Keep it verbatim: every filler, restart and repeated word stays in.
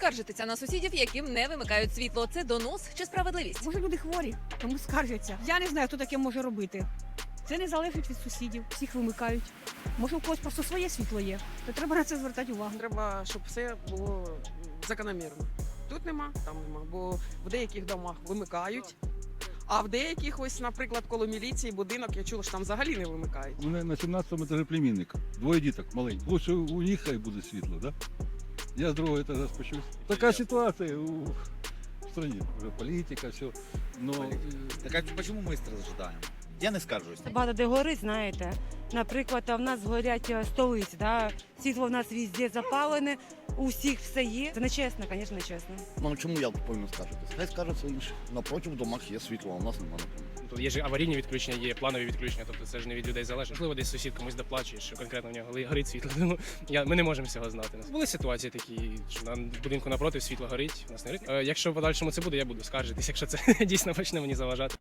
скаржитися на сусідів, яким не вимикають світло? Це донос чи справедливість? Може, люди хворі, тому скаржаться. Я не знаю, хто таке може робити. Це не залежить від сусідів, всіх вимикають. Може, у когось просто своє світло є, то треба на це звертати увагу. Треба, щоб все було закономірно. Тут нема, там нема, бо в деяких домах вимикають, а в деяких, ось, наприклад, коло міліції будинок, я чула, що там взагалі не вимикають. У мене на сімнадцятому етажі племінник. Двоє діток маленьких. Лучше у них хай буде світло, да? Я з другого етажа спущусь. Така ситуація у в стране. Уже політика, все. Но... Так а почему мы страждаем? Я не скаржусь. Багато де горить, знаєте. Наприклад, в нас горять е, столиці, да? Світло в нас везде запалене, у всіх все є. Це нечесно, звісно, нечесно. Ну чому я повинен скаржитися? Хай скаржаться інші. Напротив в домах є світло, а у нас немає, наприклад. Тут є ж аварійні відключення, є планові відключення, тобто це ж не від людей залежить. Можливо, десь сусід комусь доплачує, що конкретно в нього гли- горить світло. Ну, я, ми не можемо цього знати. Були ситуації такі, що на будинку напроти світло горить, у нас не горить. Е, якщо в подальшому це буде, я буду скаржитись, якщо це дійсно почне мені заважати.